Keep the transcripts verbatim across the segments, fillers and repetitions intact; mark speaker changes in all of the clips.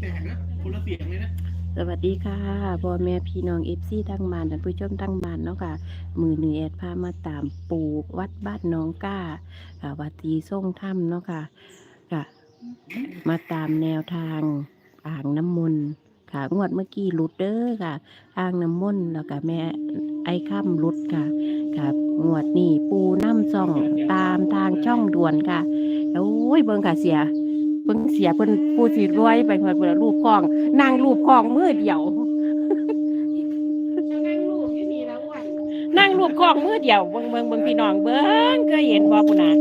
Speaker 1: ลกๆนะคนละเสียงเลยนะ
Speaker 2: สวัสดีค่ะพ่อแม่พี่น้องเอฟซีทั้งบ้านท่านผู้ชมทั้งบ้านเนาะค่ะมือหนึ่งแอดพามาตามปูวัดบ้านน้องก้าค่ะวัดตีส่งถ้ำเนาะค่ะค่ะมาตามแนวทางอ่างน้ำมนต์ค่ะงวดเมื่อกี้หลุดเด้อค่ะอ่างน้ำมนต์แล้วก็แม่ไอ้ค่ำหลุดค่ะค่ะงวดนี้ปูน้ำซ่องตามทางช่องด่วนค่ะโอ้ยเบิ่งค่ะเสีย เพิ่งเสียเพิ่นผู้สิรวยไปเพิ่นเพิ่นรูปคลองนั่งรูปคลองมือเดียว
Speaker 3: นั่งรูปอยู่นี่แล้วอ้วน
Speaker 2: นั่งรูปคลองมือเดียวเบิ่งเบิ่งเบิ่งพี่น้องเบิ่งเคยเห็นบ่ปุ่นน่ะ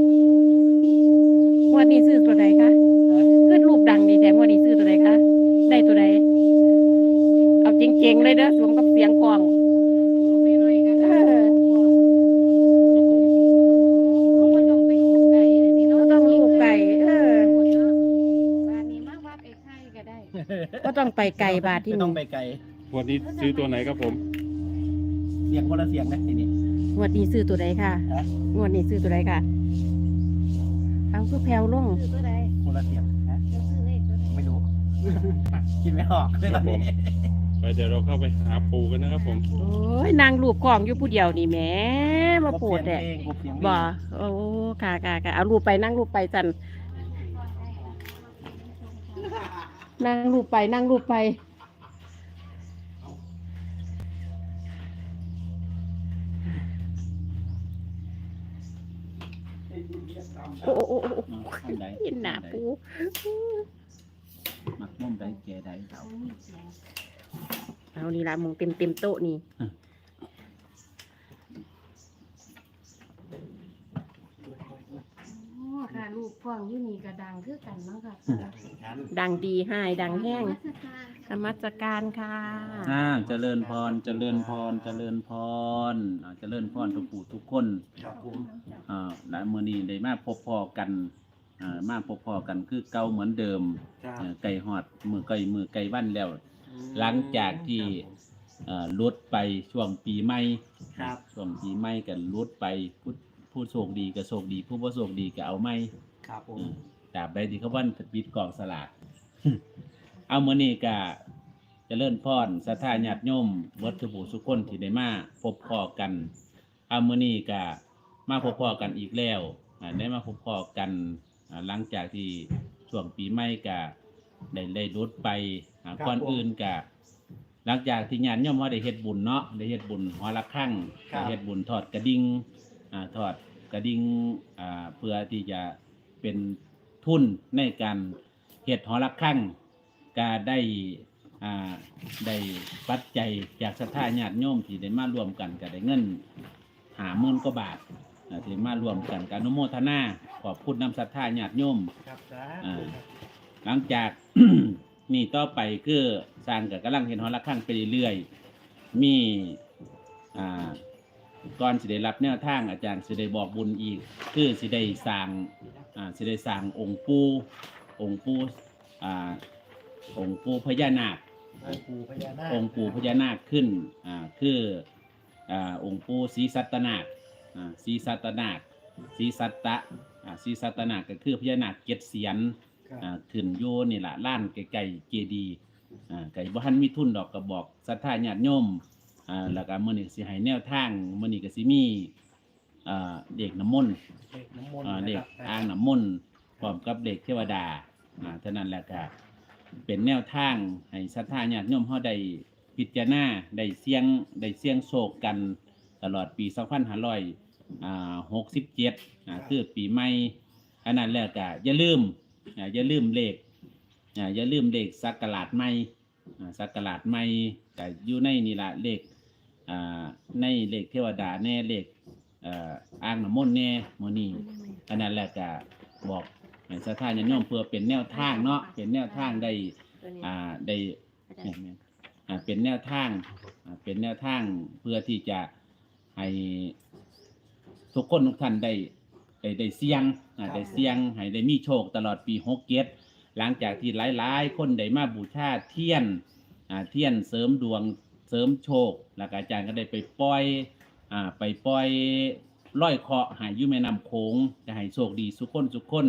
Speaker 2: งวดนี้ซื้อตัวใดคะคือรูปดังดีแท้งวดนี้ซื้อตัวใดคะได้ตัวใดเอาจริงๆเลยเด้อสวมกับเสียงคลอง
Speaker 3: ไปหน่อยกัน
Speaker 2: เอ
Speaker 3: นะ
Speaker 2: อ
Speaker 3: เขาบ่ต้องไปอยู่ไกลเลยนี่
Speaker 2: เรา
Speaker 3: เนาะ
Speaker 2: ต้องรูปไก่เออ
Speaker 3: บ้านนี้มาวัดไอ้ไข่ก็ได้
Speaker 2: ก็ต้องไปไกลบาทที่
Speaker 4: ไม่
Speaker 2: นี่
Speaker 4: ต้องไปไกล
Speaker 5: วันนี้ซื้อตัวไหนครับผม
Speaker 4: เสียงคนละเสียงนะทีนี้
Speaker 2: งวดนี้ซื้อตัวใดค่ะ
Speaker 4: ฮะ
Speaker 2: งวดนี้ซื้อตัวใดค่ะเอาคือแผ่วลง
Speaker 3: ซื้อตัวใด
Speaker 4: คนละเสียงนะ
Speaker 3: จะซื้อเลขตัวใด
Speaker 4: ไม่รู้ คิดไม่ออกเลยตอนนี้
Speaker 5: ไปเดี๋ยวเราเข้าไปหาปูกันนะครับผม
Speaker 2: โอ้ยนางรูปกล่องอยู่ผู้เดียวนี่แหม่มาโปวดแหละ
Speaker 4: กบเสียงเพลง
Speaker 2: บ่โอ้ค่ะค่ะค่ะเอารูปไปนั่งรูปไปจันนั่งรูปไปนั่งรูปไปโอ้โอ้โอ้โอ้
Speaker 4: อืมอันใด
Speaker 2: เห็นหน้าปู
Speaker 4: มักม่วงใดแก่ใดเขา
Speaker 2: เอานี่ละมองเต็มเต็มโต๊ะนี่
Speaker 3: อ๋อค่ะรูปพ่องอยู่นี่ก็ดังคือกันเนาะค่ะ
Speaker 2: ดังดีให้ดังแห้ง
Speaker 3: นมัสการ
Speaker 2: ธรรมจัการค่ะ
Speaker 4: อ่าเจริญพรเจริญพรเจริญพรอ่าเจริญพรทุกผู้ทุกคน
Speaker 1: ครับผม
Speaker 4: อ่าและมื้อนี้ได้มาพบพอกันอ่ามาพบพอกันคือเก่าเหมือนเดิม
Speaker 1: ครับ
Speaker 4: เอ่อไก่ฮอดมือไก่มือไก่วันแล้ว หลังจากที่เอ่อลดไปช่วงปีใหม่
Speaker 1: ครับ
Speaker 4: ช่วงปีใหม่กันลดไปผู้ผู้โชคดีก็โชคดี ผู้บ่โชคดีก็เอาไม่
Speaker 1: ครับผม
Speaker 4: ตราบใดที่เขาวันปิดกล่องสลาก เอามื้อนี้ก็เจริญพรศรัทธาญาติโยมวัดทุกผู้ทุกคนที่ได้มาพบพอกันเอามื้อนี้ก็มาพบพอกันอีกแล้วอ่าได้มาพบพอกันอ่าหลังจากที่ช่วงปีใหม่ก็ได้ได้ลดไปอ่าก่อนอื่นก็หลังจากที่ญาติโยมเฮาได้เฮ็ดบุญเนาะได้เฮ็ดบุญหอละครั้งได้เฮ็ดบุญทอดกระดิ่งอ่าทอดกระดิ่งอ่าเพื่อที่จะเป็นทุนในการเฮ็ดหอละครั้งก็ได้อ่าได้ปัจจัยจากศรัทธาญาติโยมที่ได้มาร่วมกันก็ได้เงินห้าหมื่นกว่าบาทอ่าที่มาร่วมกันการอนุโมทนาขอบคุณนำศรัทธาญาติโยม
Speaker 1: ครับสา
Speaker 4: อ่า
Speaker 1: ธุครับ
Speaker 4: หลังจาก นี่ต่อไปคือสร้างกับกำลังเห็นหอละครั้งไปเรื่อยๆมีอ่าก่อนสิได้รับแนวทางอาจารย์สิได้บอกบุญอีก คือสิได้สร้างอ่าสิได้สร้างองค์ปู่องค์ปู่อ่าองค์ปู่พญานาค
Speaker 1: องค์ปู่พญานาค
Speaker 4: องค์ปู่พญานาคขึ้นอ่าคืออ่าองค์ปู่ศรีสัตนาคอ่าศรีสัตนาคศรีสัตตะอ่าศรีสัตนาคก็คือพญานาคเจ็ดเสียน
Speaker 1: ครับ
Speaker 4: อ่าขึ้นโยนี่แหละล้านไก่ๆเจดีย์อ่าไก่บ้านมีทุนดอกกระบอกศรัทธาญาติโยมอ่าแล้วก็มื้อนี้สิให้แนวทางมื้อนี้ก็สิมีอ่าเด็กน้ำมนต์
Speaker 1: เด็กน้ำมนต์
Speaker 4: อ่า
Speaker 1: นะ
Speaker 4: เด็
Speaker 1: ค
Speaker 4: ก
Speaker 1: รับ
Speaker 4: อ่างน้ำมนต์พร้อมกับเด็กเทวดาอ่าเท่านั้นแหละก็เป็นแนวทางให้ศรัทธาญาติโยมเฮาได้พิจารณาได้เสี่ยงได้เสี่ยงโชคกันตลอดปีสองพันห้าร้อยหกสิบเจ็ดอ่าคือปีใหม่อันนั้นแล้วก็อย่าลืมอ่าอย่าลืมเลขอ่าอย่าลืมเลขสักกะลาดใหม่อ่าสักกะลาดใหม่ก็อยู่ในนี่ล่ะเลขอ่าในเลขเทวดาแน่เลขเอ่ออ่างน้ำมนต์แน่มื้อนี้อันนั้นแหละก็บอกให้ศรัทธาญาติโยมเพื่อเป็นแนวทางเนาะเป็นแนวทางได้อ่าได้แม่นๆอ่าเป็นแนวทางอ่าเป็นแนวทางเพื่อที่จะให้ทุกคนทุกท่านได้ ได้ได้เสี่ยงอ่าได้เสี่ยงให้ได้มีโชคตลอดปีหกเจ็ดหลังจากที่หลายๆ คนได้มาบูชาเทียนอ่าเทียนเสริมดวงเสริมโชคแล้วก็อาจารย์ก็ได้ไปปล่อยอ่าไปปล่อยร้อยเคราะห์ให้อยู่แม่น้ำโขงจะให้โชคดีสุขคนสุขคน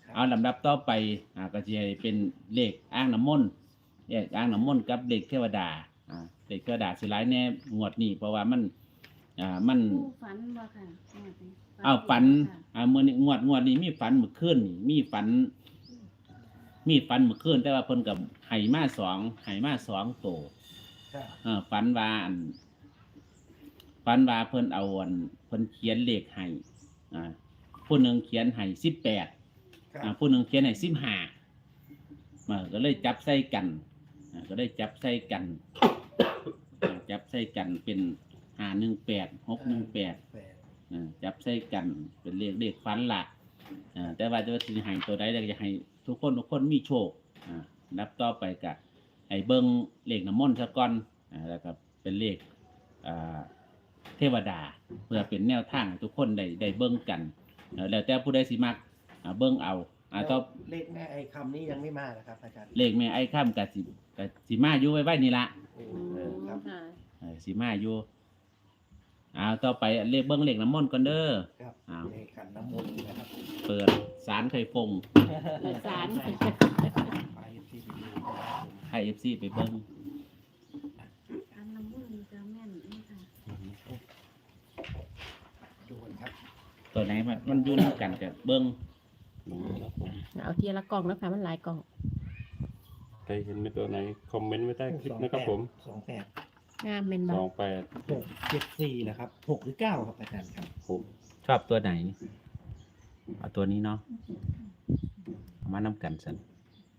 Speaker 4: เอาลำดับต่อไปอ่าก็จะเป็นเลขอ้างน้ำมนต์เลขอ้างน้ำมนต์กับเลขเทวดาอ่าเลขเทวดาสิหลายแน่งวดนี้เพราะว่ามันอ่ามัน
Speaker 3: ผู้ฝันบ่ค่ะงวดนี้
Speaker 4: เอาฝัน
Speaker 3: ค่ะ
Speaker 4: อ่ามื้อนี้งวดงวดนี้มีฝันเมื่อคืนนี่มีฝัน มีฝันเมื่อคืนแต่ว่าเพิ่นกับไห่มาสองไห่มาสองโต
Speaker 1: ครับ
Speaker 4: เออฝันว่าอันฝันว่าเพิ่นเอาอันเพิ่นเขียนเลขให้อ่าผู้หนึงเขียนให้สิบแปด
Speaker 1: ครับ
Speaker 4: อ่าผู้หนึงเขียนให้สิบห้ามาก็เลยจับใส่กันอ่าก็เลยจับใส่กันอ่าจับใส่กันเป็นห้าหนึ่งแปดหกหนึ่งแปด
Speaker 1: แปด
Speaker 4: อ่าจับใส่กันเป็นเลขเลขฝันละอ่าแต่ว่าจะว่าสิให้ตัวใดก็อยากให้ทุกคนทุกคนมีโชคอ่านับต่อไปกะให้เบิ่งเลขน้ำมนต์ซะก่อนอ่าแล้วก็เป็นเลขอ่าเทวดาเพื่อเป็นแนวทางให้ทุกคนได้ได้เบิ่งกันเอ่อแล้วแต่ผู้ใดสิมักอ่าเบิ่งเอาอ่าต่อ
Speaker 1: เลขแม่ไอ้คำนี้ยังไม่มานะครับอาจารย์
Speaker 4: เลขแม่ไอ้ค่ำกับสิกับสิมาอยู่ไว้ไว้นี่ละ
Speaker 1: โอ้
Speaker 3: อืม
Speaker 1: ครับ
Speaker 3: ค่ะ
Speaker 4: เออสิมาอยู่เอาต่อไปเลขเบิ่งเลขน้ำมนต์ก่อนเด้อ
Speaker 1: ครับ
Speaker 4: อ้าว
Speaker 1: เลขขันน้ำมนต์นะครับ
Speaker 4: เปิดสารไข่ฟง
Speaker 3: เปิดศาล
Speaker 1: ไปที่ไปดูนะครับผม
Speaker 4: ให้ เอฟ ซี ไปเบิ่ง
Speaker 3: อันน้ำมันต์จะแม่นนี่ค่ะ
Speaker 1: ดูกันครับ
Speaker 4: ตัวไหนมันมันอยู่นำกันกับเบิ่ง
Speaker 1: ครับผม
Speaker 2: เอาทีละกล่องนะคะมันหลายกล่อง
Speaker 5: ใครเห็นเป็นตัวไหนคอมเมนต์ไว้ใต้คลิปนะครับผม
Speaker 1: สองแปด
Speaker 2: งามเป็น
Speaker 5: ส
Speaker 2: บ่
Speaker 5: องแปด
Speaker 1: หกเจ็ดสี่นะครับหกหรือเก้าครับอาจารย์ครับ
Speaker 5: ผม
Speaker 4: ชอบตัวไหนเอาตัวนี้เนาะเอามานำกันสัน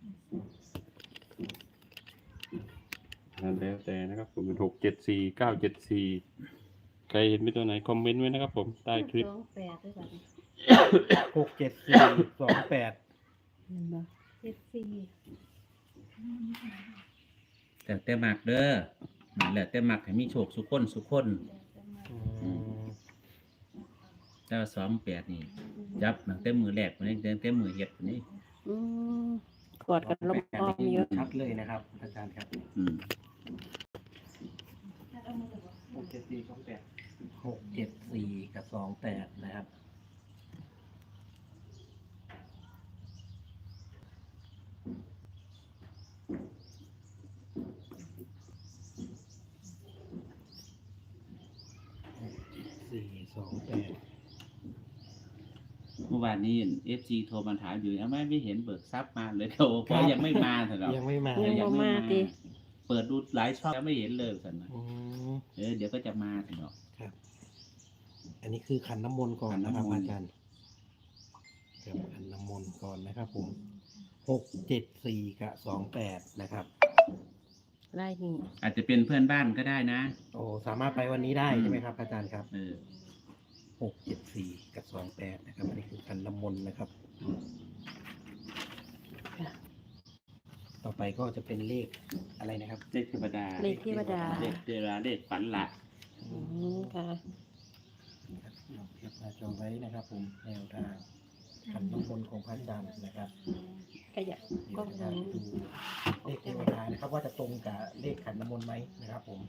Speaker 5: นั่นแล้วแต่นะครับผมเป็นหกเจ็ดสี่เก้าเจ็ดสี่ใครเห็นเป็นตัวไหนคอมเมนต์ไว้นะครับผมใต้คลิป
Speaker 3: สองแปดด้วยกัน
Speaker 1: หกเจ็ดสี่สองแปด
Speaker 2: เห็นบ่
Speaker 3: เจ็ดสี่
Speaker 4: แต่แต่มักเด้อแล้วแต่มักให้มีโชคสุขคนสุขคน แต่ว่าสองแปดนี่จับตั้งแต่มือแรกมันตั้งแต่มือเฮ็ดพุ่นนี่
Speaker 2: อืมกอดกันลมอ้อมเยอะ
Speaker 1: ชัดเลยนะครับ อาจารย์ครับ
Speaker 4: อืม
Speaker 1: หกเจ็ดสี่สองแปดหกเจ็ดสี่กับสองแปดนะครับสี่สองแปด
Speaker 4: เมื่อวานนี้ เอฟ ซี โทรมาถามอยู่ทำไมไม่เห็นเบิกทรัพย์มาเลยโทรเพราะยังไม่มาเถอะเนาะ
Speaker 1: ยังไม่มา
Speaker 2: ยัง
Speaker 4: ยั
Speaker 2: บ่
Speaker 4: งไม่
Speaker 2: มา
Speaker 4: มา
Speaker 2: ติ
Speaker 4: เปิดดูหลายช่องแล้วไม่เห็นเลยสันนะ
Speaker 1: อืม
Speaker 4: เออเดี๋ยวก็จะมาเถอะเนาะ
Speaker 1: ครับ อันนี้คือขันน้ำมนต์ก่อนนะครับ
Speaker 4: ขันน้ำมนต์
Speaker 1: อาจารย์ครับขันน้ำมนต์ก่อนนะครับผมหกเจ็ดสี่กับสองแปดนะครับ
Speaker 2: ไล่นี่
Speaker 4: อาจจะเป็นเพื่อนบ้านก็ได้นะ
Speaker 1: โอ้สามารถไปวันนี้ได้ใช่ไหมครับ อาจารย์ครับ
Speaker 4: เออ
Speaker 1: หกเจ็ดสี่กับสองแปดนะครับ อันนี้คือขันน้ำมนต์นะครับ ต่อไปก็จะเป็นเลขอะไรนะครับ
Speaker 4: เลขเทวดา
Speaker 2: เลขเทวดา
Speaker 4: เลขเทวดาเลขฝันละ
Speaker 2: อืมค่ะ
Speaker 1: ลองเทียบหน้าจอไว้นะครับ ผมแนวทางขันน้ำมนต์ของพระอาจารย์นะครับ
Speaker 2: ขยับ
Speaker 1: เดี๋
Speaker 2: กล้
Speaker 1: ย
Speaker 2: อ
Speaker 1: ว
Speaker 2: ง
Speaker 1: จะ
Speaker 2: นี้
Speaker 1: ดูเลขเทวดานะครับ ว่าจะตรงกับเลขขันน้ำมนต์ไหมนะครับ ผม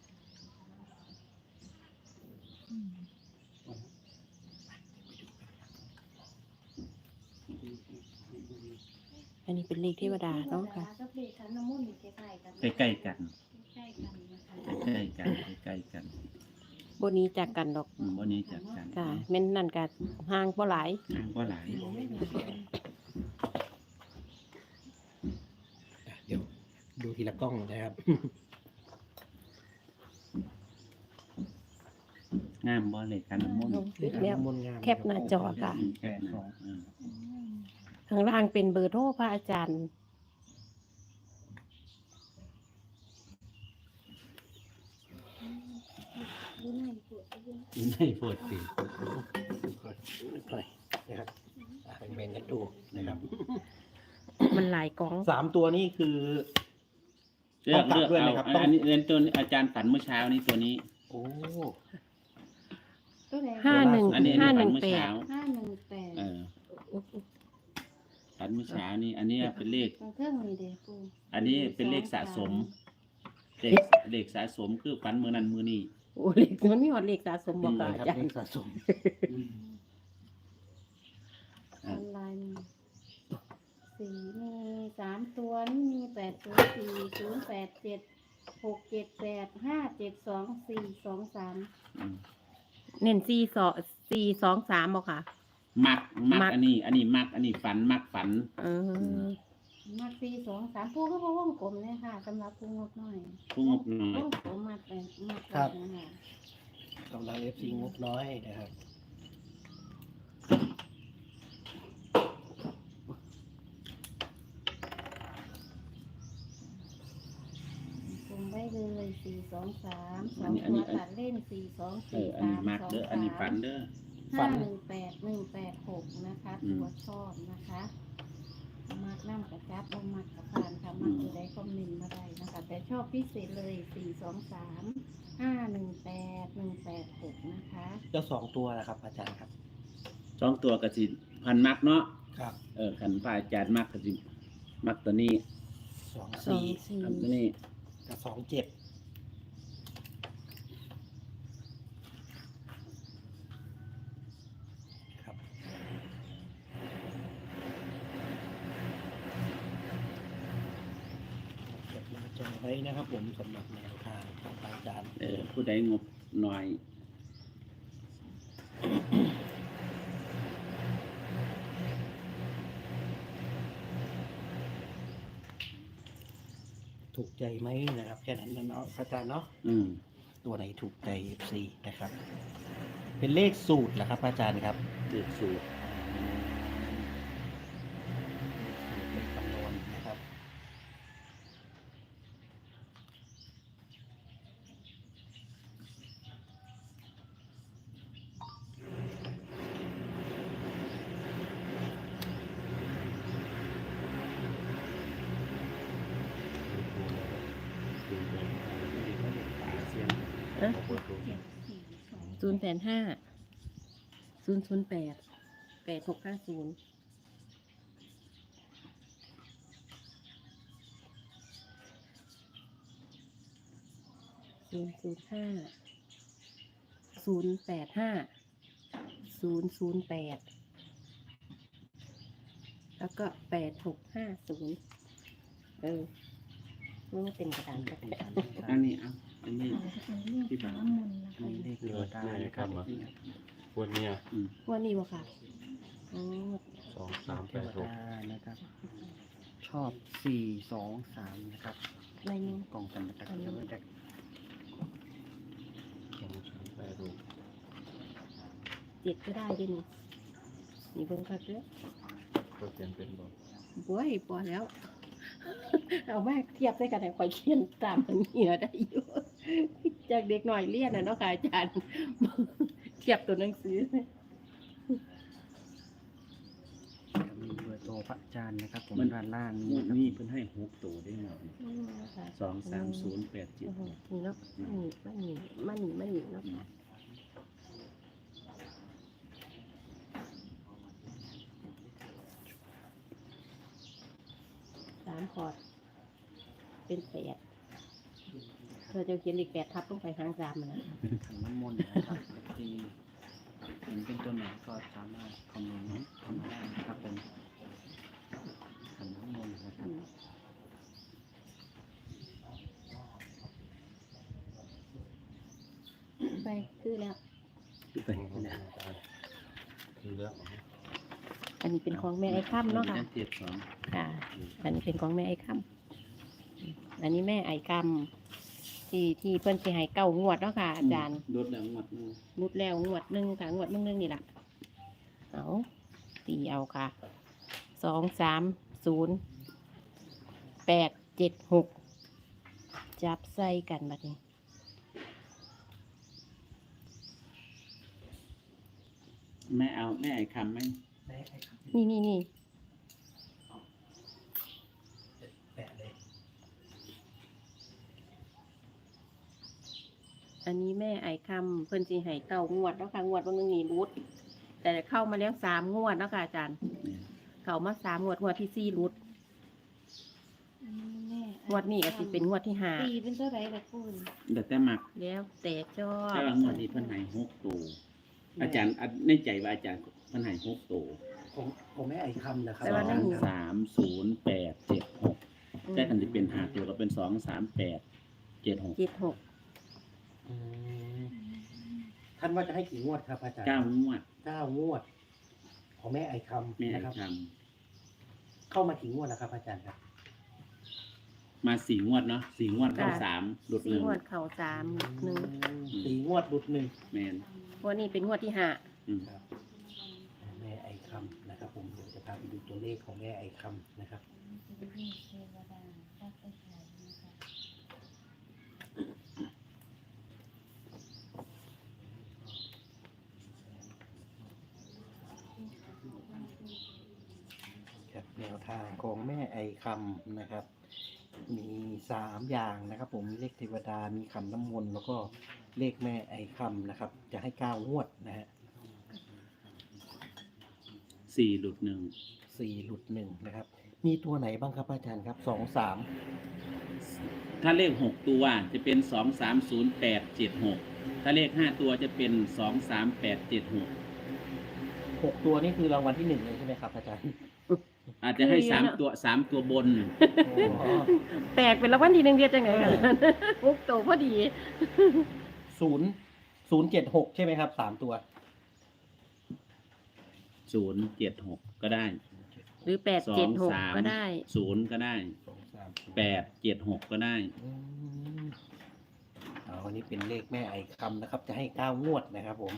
Speaker 2: อันนี้เป็นเลขเทวดาเนาะค่ะ
Speaker 3: กับเลขขันน้ำมันต์นี่ใกล้ๆกัน
Speaker 4: ใกล้ๆกัน
Speaker 3: ใกล้ๆกันนะคะ
Speaker 4: ใกล้ๆกันใกล้ๆกัน
Speaker 2: บนนี้จากกันดอก
Speaker 4: อืมวันนี้จัดกัน
Speaker 2: ค่ะแม่นนั่นก็ห่างบ่หลาย
Speaker 4: ทางก็หลาย
Speaker 1: เดี๋ยวดูทีละกล้องนะครับ
Speaker 4: งามบ่เลยกันน้ำมนต์
Speaker 1: เลขขัน
Speaker 2: แล้ว
Speaker 1: น้ำมนต์งาม
Speaker 2: แคปหน้าจอค่ะ
Speaker 1: แปดสอง
Speaker 4: อืม
Speaker 2: ข้างล่างเป็นเบอร์โทรพระอาจารย์
Speaker 3: ดูหน้าปวดดูหน้า
Speaker 4: ไม่ปวดสิ
Speaker 1: ค่อยๆนะครับอ่ะเป็นเมนกันดูนะครับ
Speaker 2: มันหลายกล่อง
Speaker 1: สามตัวนี้คือ
Speaker 4: เลือก
Speaker 1: ต้องตัด
Speaker 4: เลือก
Speaker 1: ด้วยไหม
Speaker 4: เอา
Speaker 1: ครับ
Speaker 4: อัน
Speaker 1: ต้อง
Speaker 4: อันนี้เรียนตัวนี้อาจารย์ฝันเมื่อเช้านี้ตัวนี้
Speaker 1: โอ้
Speaker 3: ตัวไหน
Speaker 2: ห้าหนึ่ง
Speaker 4: อันนี้
Speaker 2: ห้า
Speaker 4: อัน
Speaker 2: หนึ่
Speaker 4: นี้
Speaker 2: ง
Speaker 4: ฝันเมื่อ
Speaker 2: แปด
Speaker 4: เช้า
Speaker 3: ห้าหนึ่งแปด
Speaker 4: เออฝันเมื่อเช้านี้ อันนี้เป็นเลข
Speaker 3: ตรงเครื่องนี่เด้ปู
Speaker 4: อันนี้เป็นเลขสะสมเลขเลขสะสมคือฝันมือนั้นมือนี้
Speaker 2: โอ้เลขมันมีหอดเลขสะสมบอกกับ
Speaker 1: นี่
Speaker 2: อา
Speaker 1: ครับ
Speaker 2: จาร
Speaker 1: เล
Speaker 2: ย์
Speaker 1: ขสะสม
Speaker 3: ออนไลน์สี่มีสามตัวนี่มีแปดศูนย์สี่ศูนย์แปดเจ็ดหกเจ็ดแปดห้าเจ็ดสองสี่สองสาม
Speaker 4: อืม
Speaker 2: เน้นสี่สองสี่สองสามบ่ค่ะ
Speaker 4: มักมั
Speaker 2: มั
Speaker 4: ก
Speaker 2: ก
Speaker 4: อันนี้ อันนี้มักอันนี้ฝันมักฝัน
Speaker 2: เออ
Speaker 3: มาสี่สองสามปูก็พอวงกลมเนี่ยค่ะสำหรับปูงบน้อย
Speaker 4: ผู้งบน้อยว
Speaker 3: งกลมมาแต่มา
Speaker 1: ครับ
Speaker 3: นะคะ
Speaker 1: กำลังเอฟซีงบน้อยนะครับ
Speaker 3: กลมไว้เลยสี่สองสามสองตัวตัดเล่นสี่สอง
Speaker 4: เอ
Speaker 3: สี่
Speaker 4: ออัน
Speaker 3: สา
Speaker 4: นี้
Speaker 3: ม
Speaker 4: มัก
Speaker 3: สอง
Speaker 4: เด้อ
Speaker 3: สาม
Speaker 4: อันนี้ฝันเด้อ
Speaker 1: ฝั
Speaker 3: ห้าน หนึ่งแปดหนึ่งแปดหกนะคะ
Speaker 4: อืม
Speaker 3: ตัวชอบนะคะมักน้ำกระจับบ่มักกระพานค่ะมักตัวใดคอมเมนต์มาได้นะคะ แต่ชอบพิเศษเลยสี่สองสามห้าหนึ่งแปดหนึ่งแปดหกนะคะ
Speaker 1: เจ้าสองตัวนะครับ อาจารย์ครับ
Speaker 4: สองตัวก็สิพันมักเนาะ
Speaker 1: ครับ
Speaker 4: เออขันพระอาจารย์มักก็สิมักตัวนี้
Speaker 1: สอง
Speaker 3: สอง
Speaker 1: สี่
Speaker 3: สี่
Speaker 4: ทำตัวนี้
Speaker 1: กับสองเจ็ดครับเก็บมาจไว้นะครับผมสำหรับแนวทางของอาจารย์
Speaker 4: เออผู้ใดงบน้อย
Speaker 1: ถูกใจไหมนะครับแค่นั้นนะเนาะอาจารย์เนาะ
Speaker 4: อืม
Speaker 1: ตัวไหนถูกใจ เอฟ ซี นะครับ เป็นเลขสูตรเหรอครับ อาจารย์ครับ
Speaker 4: เด็กสูตร
Speaker 1: เลขคำนวณนะครับ
Speaker 2: เอ๊ะ
Speaker 5: เปิดดู
Speaker 3: เจ็ดสี่สอง
Speaker 2: ศูนย์แปดห้าศูนย์ศูนย์แปดแปดหกห้าศูนย์ศูนย์ศูนย์ห้าศูนย์แปดห้าศูนย์ศูนย์แปดแล้วก็แปดหกห้าศูนย์เออมันเป็นกระดานกระดาษ
Speaker 4: อันนี้เอาอันนี้
Speaker 3: เรียกน้ำมนต์นะคะ
Speaker 1: เลข
Speaker 5: เลือดแม่ครับมาวันเนี้ย
Speaker 4: อืม
Speaker 2: ว่านี่วะค่ะอ๋อ
Speaker 5: สองสาม
Speaker 1: เท
Speaker 5: แปด
Speaker 1: ว
Speaker 5: หก
Speaker 1: ดานะครับ ชอบสี่สองสามนะครับ
Speaker 2: ในนี้
Speaker 1: กล่องสันตะกันแล้วจาก
Speaker 5: สองสามแปดหก
Speaker 2: เจ็ดก็ได้ด้วยนี่นี่เบิ่งคักเด้อ
Speaker 5: ก็เขียนเป็นบอก
Speaker 2: บ้ยพอแล้ว เอามาเทียบได้กันแต่ข่อยเขียนตามมันเหนือได้อยู่ จากเด็กหน่อยเรียนนะเนาะค่ะอาจารย์ เทียบตัวหนังสือ
Speaker 1: มีเบอร์โทรพระอาจารย์นะครับ ผม
Speaker 4: มัน
Speaker 1: ด้านล่าง
Speaker 4: ง
Speaker 1: นี้
Speaker 4: วด
Speaker 1: นะครับ
Speaker 4: นี้เพิ่นให้หกตัวได้หมด
Speaker 2: อืมนะคะ
Speaker 4: สองสามศูนย์แปดเจ็ด
Speaker 2: โอ้โหนี่เนาะมันนี่มันนี่มันนี่มันนี่เนาะสามขอด เป็นแปดเธอจะเขียนเลขแปดทับลงไปหางสามมันนะ
Speaker 1: ขันน้ำมนต์นะครับที่เห็นเป็นตัวไหนก็สามารถคอมเมนต์เข้ามาได้นะครับผมขันน้ำมนต์นะครับ
Speaker 2: ไปคือแล้ว
Speaker 1: ไปนะ
Speaker 5: คือเลือก
Speaker 2: อันนี้เป็นของแม่ไอ้ค่ำเนาะค่ะ
Speaker 4: เจ็ดสอง
Speaker 2: ค่ะ อันนี้เป็นของแม่ไอ้ค่ำอันนี้แม่ไอ้ค่ำที่ที่เพิ่นสิให้เก้างวดเนาะค่ะอาจารย์
Speaker 4: ลดแล้วงวดหนึง
Speaker 2: มุดแล้วงวดหนึ่งค่ะงวดมึงนึงนี่แหละเอาตีเอาค่ะสองสามศูนย์แปดเจ็ดหกจับใส่กันบัดนี้
Speaker 4: แม่เอาแม่ไอ้คำไหม
Speaker 1: แม่ให้ครับ
Speaker 2: นี่นี่นี่
Speaker 1: แปะเลย
Speaker 2: อันนี้แม่ไอ้คำเพิ่นสิให้เก้างวดแล้วค่ะงวดวันนึงนี่รุด แต่เข้ามาแล้วสามงวดแล้วค่ะอาจารย์
Speaker 4: เนี่ย
Speaker 2: เข้ามาสามงวดงวดที่สี่รุด
Speaker 3: อันนี้แม่
Speaker 2: งวดนี้ก็สิเป็นงวดที่ห้า
Speaker 3: ตีเป็นเท่าไหร่ละคุณ
Speaker 4: แต่แต่มัก
Speaker 2: แล้วแต่ชอบ
Speaker 4: ถ้าว่างวดนี้เพิ่นให้หกตัวอาจารย์อันในใจว่าอาจารย์เพิ่นให้หกตัว
Speaker 1: ผมผมไม่ไอ้คำนะครับ
Speaker 2: แต่ว่านั่น
Speaker 4: สามศูนย์แต่กันจะเป็นหาตัวก็เป็นสองสามแปดเจ็ดหก
Speaker 2: เจ็ดหก
Speaker 6: อืมท่านว่าจะให้กี่งวดครับอาจารย์
Speaker 4: เก้างวด
Speaker 6: เก้างวดของแม่ไอค
Speaker 4: แม่
Speaker 6: ำ
Speaker 4: ไอ้
Speaker 6: นะครับ
Speaker 4: ค
Speaker 6: เข้ามากี่งวดแล้วครับอาจารย์ครับ
Speaker 4: ำมาสี่งวดเนาะสี่งวดเข้าสามหลุดห
Speaker 2: สี่
Speaker 4: นึ่ง
Speaker 2: งวดเข่าสามหนึ่ง
Speaker 6: สี่งวดหลุดหนึ่ง
Speaker 4: แมน
Speaker 2: วันนี้เป็นงวดที่ห้า
Speaker 4: อืม
Speaker 6: ครับแม่ไอคำนะครับ ผมเดี๋ยวจะพาไปดูตัวเลขของแม่ไอคำนะครับ ครับแนวทางของแม่ไอคำนะครับ มีสามอย่างนะครับ ผมมีเลขเทวดามีขันน้ำมนต์แล้วก็เลขแม่ไอคำนะครับ จะให้เก้างวดนะฮะ
Speaker 4: สี่หลุดหนึ่ง
Speaker 6: สี่หลุดหนึ่งนะครับ มีตัวไหนบ้างครับอาจารย์ครับสองสาม
Speaker 4: ถ้าเลขหกตัวจะเป็นสองสามศูนย์แปดเจ็ดหกถ้าเลขห้าตัวจะเป็นสองสามแปดเจ็ดหก
Speaker 6: หกตัวนี่คือรางวัลที่หนึ่งเลยใช่ไหมครับอาจารย์
Speaker 4: อาจจะให้สามตัวสามตัวบน
Speaker 6: อ๋อ
Speaker 2: แตกเป็นรางวัลที่หนึ่งเดียวจังไหนกันปุ๊บโตพอดี
Speaker 6: ศูนย์ศูนย์เจ็ดหกใช่ไหมครับสามตัว
Speaker 4: ศูนย์เจ็ดหกก็ได้
Speaker 2: หรือแปด
Speaker 4: สอ
Speaker 2: เจ็ด
Speaker 4: ง
Speaker 2: หก
Speaker 4: สาม
Speaker 2: ก็ได้
Speaker 4: ศูนย์ก็ได้
Speaker 6: สองสาม
Speaker 4: แปดเจ็ดหกก็ได้
Speaker 6: อืมเอาอันนี้เป็นเลขแม่ไอคำนะครับ จะให้เก้างวดนะครับผม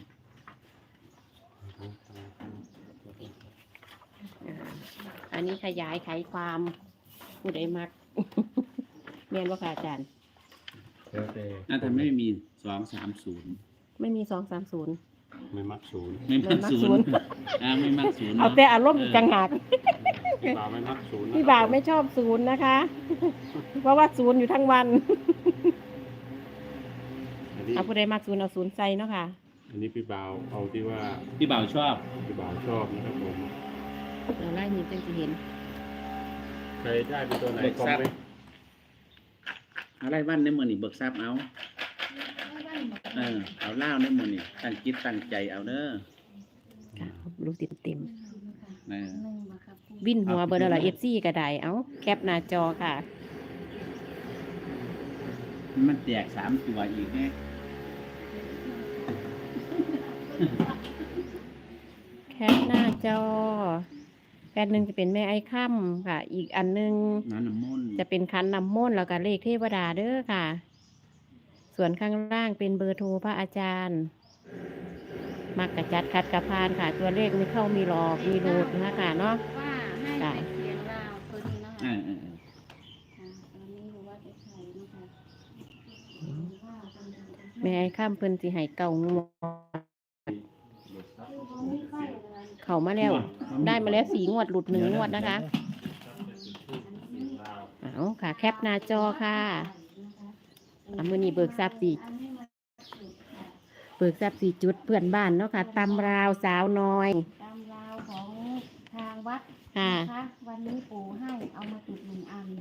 Speaker 2: อ่าอันนี้ขยายไขความผู้ใดมัก เรียนว่าค่ะอาจารย์
Speaker 5: แล้วแต่
Speaker 4: น่าจะไม่มีสองสามศูนย์
Speaker 2: ไม่มีสองสามศูนย์
Speaker 5: ไม่มักศูนย์
Speaker 4: ไม่มักศูนย์อ่าไม่มักศูนย์
Speaker 2: เอา
Speaker 4: เนาะ
Speaker 2: แต่อารมณ์จังหัก
Speaker 5: พี่บ่าวไม่มักศูนย์นะ
Speaker 2: พี่บ่าวไม่ชอบศูนย์นะคะ เพราะว่าศูนย์อยู่ทั้งวัน
Speaker 5: อันนี้
Speaker 2: เอาผู้ใดมักศูนย์เอาศูนย์ใส่เนาะค่ะ
Speaker 5: อันนี้พี่บ่าวเอาที่ว่า
Speaker 4: พี่บ่าวชอบ
Speaker 5: พี่บ่าวชอบนะครับผม
Speaker 2: เราไล่นี้จังจะเห็น
Speaker 5: ใครได้เป็นตัวไหนคอมเมนต์
Speaker 4: อะไรบ้านในมือนี่เบิกทรัพย์เอาเออเอาเล่าในมือนี่ตั้งจิตตั้งใจเอาเด้อ
Speaker 2: ค่ะรู้เต็มเต็ม
Speaker 4: เออ
Speaker 2: ๆวินหัวเบอร์ละเอฟซีก็ได้เอาแคปหน้าจอค่ะ
Speaker 4: มันแตกสามตัวอีกไง
Speaker 2: แคปหน้าจอแปดหนึ่งจะเป็นแม่ไอ้ค่ำค่ะ อีกอันหนึง
Speaker 4: น้ำน้ำมนต์
Speaker 2: จะเป็นคันนำมนต์แล้วก็เลขเทวดาเด้อค่ะ ส่วนข้างล่างเป็นเบอร์โทรพระอาจารย์ มักกระจัดคัดกระพานค่ะ ตัวเลขมีเข้ามีหลอกมีรูดนะคะเนาะ
Speaker 3: ว่าให้ไปเสียงราวตัวนี้นะ
Speaker 4: เอ
Speaker 3: คะ
Speaker 4: อเออเออ
Speaker 3: ค่ะตอนนี้รู้ว่าจะใช้นะคะ
Speaker 2: แม่ไอ้ค่ำเพิ่นสิให้เก่างวดเข้ามาแล้ว ได้มาแล้วสีงวดหลุดหนึ่งงวดนะคะเอาค่ะ แคปหน้าจอค่ะอ่ะมือนี้เบิกทรัพย์สี่เบิกทรัพย์สี่จุดเพื่อนบ้านเนาะค่ะตำราวสาวน้อย
Speaker 3: ตามราวของทางวัด
Speaker 2: ค่ะ
Speaker 3: นะคะวันนี้ปู่ให้เอามาจุดหนึ่งอัน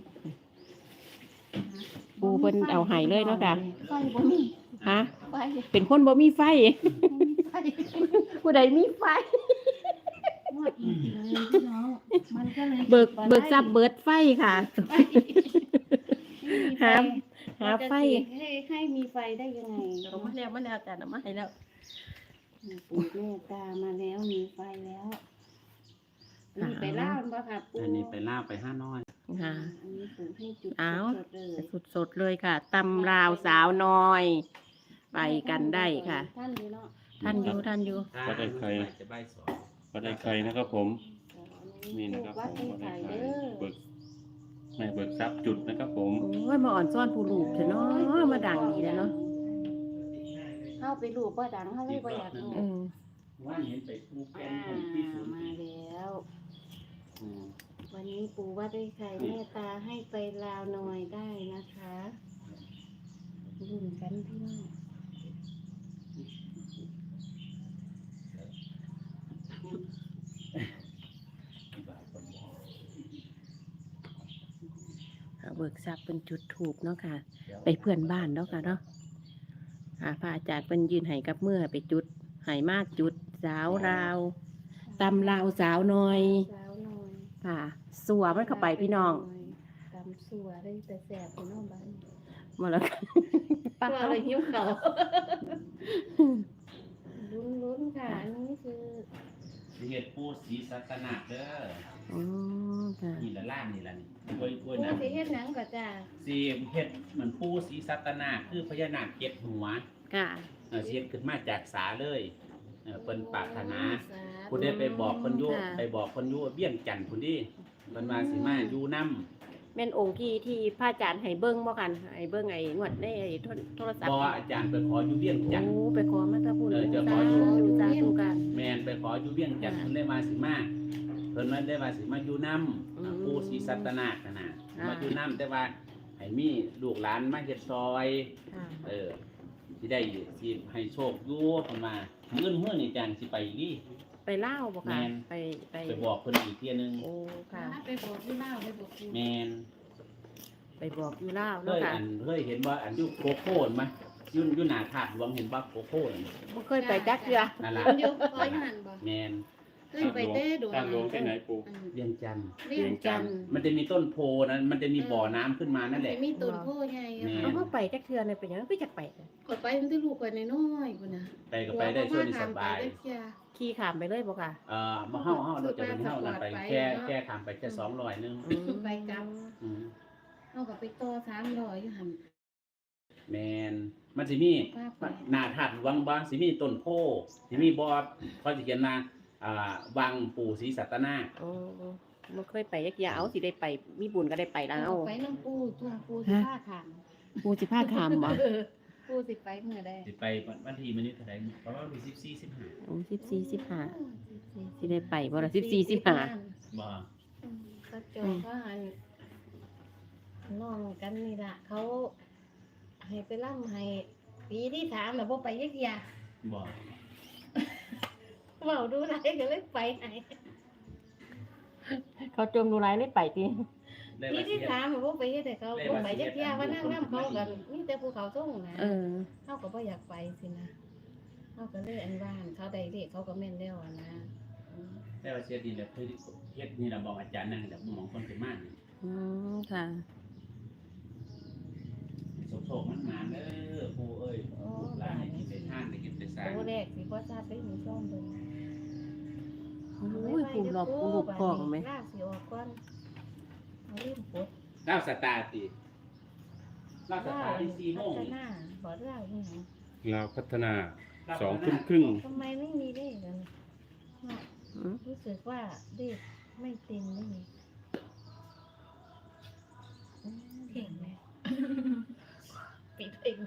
Speaker 2: ปู่เพิ่นเอาให้เลยเนาะค่ะ
Speaker 3: ไฟบ่มี
Speaker 2: ฮะ
Speaker 3: ไฟ
Speaker 2: เป็นคนบ่มีไฟ
Speaker 3: ไฟ
Speaker 2: ผู้ใดมีไฟ
Speaker 3: งวดจริงๆเลยพี่น้องมันก็เลย
Speaker 2: เบิก
Speaker 3: บ่ได้
Speaker 2: เบิกทรัพย์เบิดไฟค่ะ
Speaker 3: ไฟ
Speaker 2: หาหาไฟ
Speaker 3: ให้ให้มีไฟได้ยังไง
Speaker 2: เอามาแล้วมาแล้วจ้ะเอามาให้แล้ว
Speaker 3: ปู่เมตตามาแล้วมีไฟแล้วนี่ไปเล่าบ่ค่ะปู่
Speaker 4: อันนี้ไปล่าไปห้าน้อย
Speaker 2: ค่ะ
Speaker 3: อันนี้ปู่ให้จุด
Speaker 2: เอา
Speaker 3: สดๆเลย
Speaker 2: สดๆเลยค่ะตำราวสาวน้อย ไปกันได้ค่ะ
Speaker 3: ท่านอยู่เนาะ
Speaker 2: ท่านอยู่ท่านอยู่
Speaker 5: ก็ได้ใคร
Speaker 4: จะใบสอง
Speaker 5: ก็ได้ใครนะครับผม นี่นะครับ
Speaker 3: วัด
Speaker 5: ผม
Speaker 3: ให้
Speaker 5: ก็ได้
Speaker 3: ไข่
Speaker 5: ใคร
Speaker 3: เด้อ
Speaker 5: เบิกแม่เบิกทรัพย์จุดนะครับผม
Speaker 2: โอ้ยมาอ่อนซ้อนผู้ลูกเถอะเนาะมาดังดีแล้วเนาะ
Speaker 3: เข้าไปรูปบ่ดังเข้าเลยบ่อยากรู้
Speaker 2: เออ
Speaker 4: ว่าเห็นไปปูเป็
Speaker 3: อ่าน
Speaker 4: คนที่ศูนย์
Speaker 3: มาแล้ว
Speaker 5: อืม
Speaker 3: วันนี้ปู่วัดได้ไข่เมตตาให้ไปลาวหน่อยได้นะคะรุ่นกันพี่น้อง
Speaker 2: เบิกทรัพย์เป็นจุดถูกเนาะค่ะ ไปเพื่อนบ้านเนาะค่ะเนาะอ่าพระอาจารย์เป็นยืนให้กับเมื่อไปจุดให้มาจุดสาวราวตำราวสาวน้อย
Speaker 3: สาวหน่อย
Speaker 2: ค่ะ สัวมันเข้าไปพี่น้อง
Speaker 3: ำสัวได้แต่แสบพี่น้องบ้าน
Speaker 2: มาแล้ว
Speaker 3: ปลาอะไรหิ้วเขาลุ้นลุ้นๆค่ะ อันนี้คือ
Speaker 4: สิเฮ็ดปูสีสัตนาคเด้อ
Speaker 2: อ๋อค่ะ
Speaker 4: นี่ละล่างนี่ละนี่กล้วยกล้วย
Speaker 3: ผู้
Speaker 4: นะ
Speaker 3: สิเฮ็ดหนังก็จ้า
Speaker 4: สิเฮ็ดเหมือนปูสีสัตนาคคือพญานาคเจ็ดหัว
Speaker 2: ค่ะ
Speaker 4: เออสิเฮ็ดขึ้นมาจากสาเลยเออเพิ่นปรารถนา
Speaker 3: สาธุ
Speaker 4: ผู้ใดไปบอกเพิ่นอยู่
Speaker 2: ค่ะ
Speaker 4: ไปบอกเพิ่นอยู่เบี้ยงจันทน์พุ่นดิเพิ่นว่าสิมาอยู่นำ
Speaker 2: แม่นองค์ที่ที่พระอาจารย์ให้เบิ่งบ่กันให้เบิ่งไอ้งวดในไอ้โทรโทรศัพท์
Speaker 4: บ่อาจารย์ไปขออยู่เบี้ยงจันทน์
Speaker 2: โอ้ไปขอมาตะพุ่น
Speaker 4: เออจะข
Speaker 2: สา
Speaker 4: ออยู่
Speaker 2: ธุสาธุกัน
Speaker 4: แม่นไปขออยู่เบี้ยงจันทน์เพิ่นได้มาสิมาเพิ่นว่าได้มาสิมาอยู่นำ
Speaker 2: อืม
Speaker 4: ปูสีสัตนาคนั่นน่ะ
Speaker 2: อ่า
Speaker 4: มาอยู่นำแต่ว่าให้มีลูกหลานมาเฮ็ดซอย
Speaker 2: ค่ะ
Speaker 4: เออสิได้สิให้โชคอยู่เพิ่นว่ามื้อมื้อนี้จังสิไปอีกดิ
Speaker 2: ไปเล่าวบ่ค่ะ
Speaker 4: แม่น
Speaker 2: ไปไป
Speaker 4: ไปบอกเพิ่นอีกเที่ยหนึง
Speaker 2: โอ้ค่ะ
Speaker 3: ไปบอกที่เล่าไปบอกที่
Speaker 4: แม่น
Speaker 2: ไปบอกอยู่เล่าว
Speaker 4: เค
Speaker 2: เนาะ
Speaker 4: ย
Speaker 2: ค่ะ
Speaker 4: อันเคยเห็นว่าอันอยู่โคโค่มั้ยอยู่อยู่หน้าถาดหลวงเห็นบ่โคโค่นั่น
Speaker 2: บ่เคยไปจักเทื่อ
Speaker 4: นั่นล่ะ
Speaker 3: มันอยู่คอยหันบ่
Speaker 4: แม่น
Speaker 3: ขึ้นไปเต้ดู
Speaker 5: ตามหลวงที่ไหนปู่
Speaker 3: อืม
Speaker 4: เวียงจันทน์
Speaker 3: เรียนจันทร์
Speaker 4: มันจะมีต้นโพนั้นมันจะมีบ่อน้ำขึ้นมานั่นแหละ
Speaker 3: สิมีต้นโพใหญ่อะ
Speaker 4: แม่
Speaker 2: เอาเข้าไปจักเทื่อเนี่ยเป็นหยังคือจักไป
Speaker 3: กดไปมันที่ลูกกว่าน้อยๆพุ่นน่ะ
Speaker 4: ไปก็ไปได้ช่วยนี่สบาย
Speaker 3: หัวเขมไปได้เที่ย
Speaker 2: ขี่ข้ามไปเลยบ่ค่ะ
Speaker 4: เอ่อมาเฮาเฮาเราจะเป็นเฮานั่นไปแค่แค่ทำไปแค่สองร้อยนึง
Speaker 2: อืม
Speaker 3: ไปกลับ
Speaker 4: อืม
Speaker 3: เอากับไปต่อสามร้อยอยู่หัน
Speaker 4: แมนมันสิมี
Speaker 3: ป้าไป
Speaker 4: หน้าถาดหลวงบ่สิมีต้นโพสิมีบ่อเขาสิเขียนมาอ่าวังปู่ศรีสัตนาค
Speaker 2: โอ้บ่เคยไปจักเทื่อเอาสิได้ไปมีบุญก็ได้ไปแล้ว
Speaker 3: เอาไปน้ำปูตัวปูสิผ้าขาม
Speaker 2: ปูสิพาข้ามบ่
Speaker 3: เออปูสิไปเมื่อใด
Speaker 4: สิไปวันที่มื้อนี้เท่าไหร่ประมาณวันที่สิบสี่ สิบห้า
Speaker 2: โอ้สิบสี่ สิบห้า สิได้ไปบ่ล่ะสิบสี่ สิบห้า
Speaker 4: บ่
Speaker 3: อืมก็เจอก็หันน้องกันนี่ล่ะเขาให้ไปล่ำให้ปีที่ถามแล้วบ่ไปยักยา
Speaker 4: บ่
Speaker 3: เว้าดูไรก็เลยไปให้
Speaker 2: เขาจมดูหลายเลยไปติ
Speaker 4: ได้
Speaker 3: ปี
Speaker 4: ว่าสิ
Speaker 3: ที่
Speaker 4: เฮ็ด
Speaker 3: ถามแล้วบ่ไปเฮ็ดให้เขาบ่ไปยักยาว่านั่งน้ำเขากันมีแต่ภูเขาส่งนะ
Speaker 2: เออ
Speaker 3: เขาก็บ่อยากไปสินะเขาก็เลยอันว่านเขาได้เลขเขาก็แม่นแล้วอะนะอืม
Speaker 4: ได้ว่าเสียดีแล้วคือเฮ็ดนี่ล่ะบอกอาจารย์นั่นแหละหมองคนเป็นมากนี่
Speaker 2: อืมค่ะ
Speaker 4: โศกๆมันมาเด้อปู่เอ้ย
Speaker 3: โอ้
Speaker 4: หลานให้กินไปทานได้กินไปสร้าง
Speaker 3: ตัวแรกสิบ่ทราบไปหนูซ่อมเบิ่ง
Speaker 2: โอ้ยปูหลอกปูหลบกล่องไหม
Speaker 3: ลากสิออกก่อนเอาลืมปลด
Speaker 4: ดาวสตาร์ติดาวสตาร์ที่สี่โมง
Speaker 3: พัฒ
Speaker 4: นี่
Speaker 3: นาบ่เล่าอีหยัง
Speaker 5: ลาวพัฒนา
Speaker 4: ดาว
Speaker 5: สอง
Speaker 4: พัฒ
Speaker 5: ทุ่ม
Speaker 4: นา
Speaker 5: ครึ่ง
Speaker 3: ทำไมไม่มีเลขกันเนาะ
Speaker 2: อืม
Speaker 3: รู้สึกว่าเลขไม่เต็มไม่มีอืมเก่งเลยปิดเอง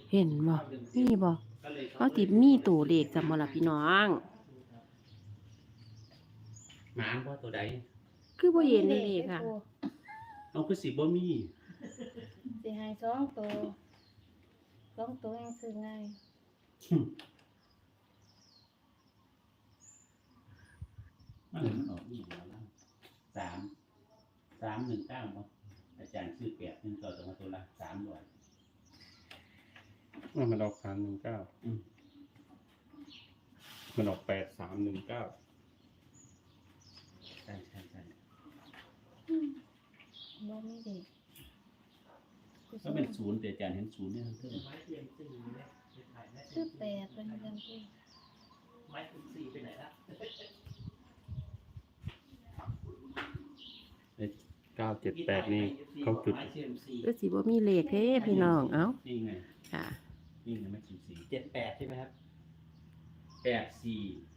Speaker 2: เห็นบ่มีบ่เขาติมีตัวเลขจำบ่ล่ะพี่น้อง
Speaker 4: หมาว่าตัวใด
Speaker 2: คือบ่เห็นเลขค่ะ
Speaker 4: เอาคือสิบ่มี
Speaker 3: สิให้สองตัวสองตัวยังซื้อง่าย
Speaker 4: มันมันออกนี่แล้วล่ะสามสามหนึ่งเก้าบ่อาจารย์ซื้อแปดหนึ่งเก้าตัวมาตัวละสามร้อย
Speaker 5: อ่ะมันออกสามหนึ่งเก้า
Speaker 4: อืม
Speaker 5: มันออกแปดสามหนึ่งเก้า
Speaker 4: ใช่ใช่ใช่
Speaker 3: บ่มีเด็ก
Speaker 4: ก็เป็นศูนย์แต่อาจารย์เห็นศูนย์เนี่ยทั้งเท่า
Speaker 3: คือแปดเป็นยังไง
Speaker 5: เก้าเจ็ดแปดนี่เขาจุด
Speaker 2: คือสิบ่มีเลขเด้พี่น้องเอ้า
Speaker 4: นี่ไง
Speaker 2: ค่ะ
Speaker 4: นี่ไงไม่ศูนย์สี่
Speaker 6: เจ็ดแปดใช่ไหมครับ
Speaker 4: แปดสี่